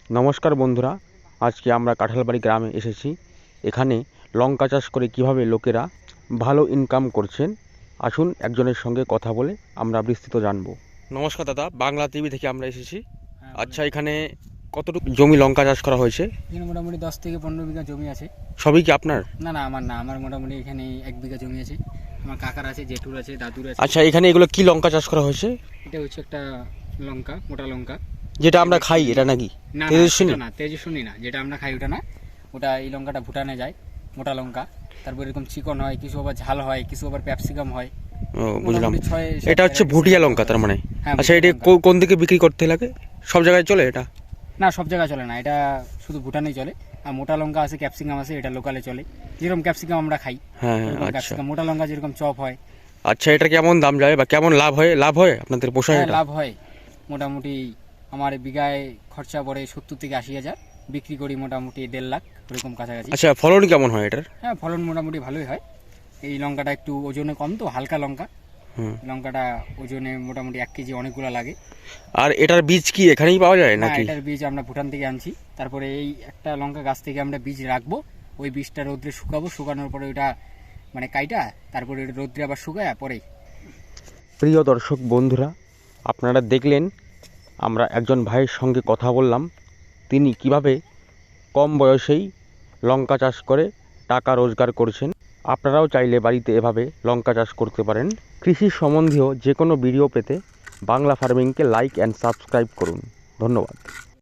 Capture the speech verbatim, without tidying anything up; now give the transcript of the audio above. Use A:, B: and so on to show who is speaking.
A: নমস্কার বন্ধুরা, আজকে আমরা কাঁঠালবাড়ি গ্রামে এসেছি। এখানে লঙ্কা চাষ করে কিভাবে লোকেরা ভালো ইনকাম করছেন, আসুন একজনের সঙ্গে কথা বলে আমরা বিস্তৃত জানবো। নমস্কার দাদা, বাংলা টিভি থেকে আমরা এসেছি। আচ্ছা, এখানে কতটুকু জমি লঙ্কা চাষ করা হয়েছে?
B: এখানে মোটামুটি দশ থেকে পনেরো বিঘা জমি আছে।
A: সবই কি আপনার?
B: না না, আমার না, আমার মোটামুটি এখানে এক বিঘা জমি আছে। আমার কাকার আছে, জেঠুর আছে, দাদুর আছে।
A: আচ্ছা, এখানে এগুলো কি লঙ্কা চাষ করা হয়েছে?
B: এটা হচ্ছে একটা লঙ্কা, মোটা লঙ্কা,
A: যেটা আমরা খাই, এটা নাকি?
B: না
A: তেজস্বিনী?
B: না, তেজস্বিনী না, যেটা আমরা খাই ওটা না। ওটা এই লঙ্কাটা ভুটানে যায়, মোটা লঙ্কা। তারপর এরকম চিকন হয়, কিছু আবার ঝাল হয়, কিছু আবার ক্যাপসিকাম হয়।
A: ও, বুঝলাম।
B: মোটামুটি ছয় সাত
A: এটা হচ্ছে ভুটিয়া লঙ্কা তার মানে?
B: হ্যাঁ,
A: আচ্ছা, এটা
B: ভুটিয়া লঙ্কা।
A: কো- কোন দিকে বিক্রি করতে লাগে? সব জায়গায় চলে এটা?
B: না, সব জায়গায় চলে না, এটা শুধু ভুটানেই চলে। আর মোটা লঙ্কা আছে, ক্যাপসিকাম আছে, এটা লোকালে চলে। যেরকম ক্যাপসিকাম আমরা খাই,
A: হ্যাঁ,
B: ওরকম
A: আচ্ছা।
B: ক্যাপসিকাম। মোটা লঙ্কা যেরকম চপ হয়।
A: আচ্ছা, এটা কেমন দাম যায় বা কেমন লাভ হয়? লাভ হয় আপনাদের, পোষায়
B: হ্যাঁ,
A: এটা?
B: লাভ হয়। মোটামুটি আমার বিঘায় খরচা পড়ে সত্তর থেকে আশি হাজার, বিক্রি করি মোটামুটি দেড় লাখ ওরকম কাছাকাছি।
A: আচ্ছা, ফলন কেমন হয় এটার?
B: হ্যাঁ, ফলন মোটামুটি ভালোই হয়। এই লঙ্কাটা একটু ওজনে কম, তো হালকা লঙ্কা।
A: হুম।
B: লঙ্কাটা ওজনে মোটামুটি এক কেজি অনেকগুলো লাগে।
A: আর এটার বীজ কি এখানেই পাওয়া যায়
B: না,
A: নাকি?
B: এটার বীজ আমরা ভুটান থেকে আনছি। তারপরে এই একটা লঙ্কা গাছ থেকে আমরা বীজ রাখবো, ওই বীজটা রোদ্রে শুকাবো, শুকানোর পরে ওইটা মানে কাইটা, তারপরে ওটা রোদ্রে আবার শুকায় পরে।
A: প্রিয় দর্শক বন্ধুরা, আপনারা দেখলেন আমরা একজন ভাইয়ের সঙ্গে কথা বললাম, তিনি কিভাবে কম বয়সেই লঙ্কা চাষ করে টাকা রোজগার করছেন। আপনারাও চাইলে বাড়িতে এভাবে লঙ্কা চাষ করতে পারেন। কৃষি সম্বন্ধীয় যে কোনো ভিডিও পেতে বাংলা ফার্মিংকে লাইক অ্যান্ড সাবস্ক্রাইব করুন। ধন্যবাদ।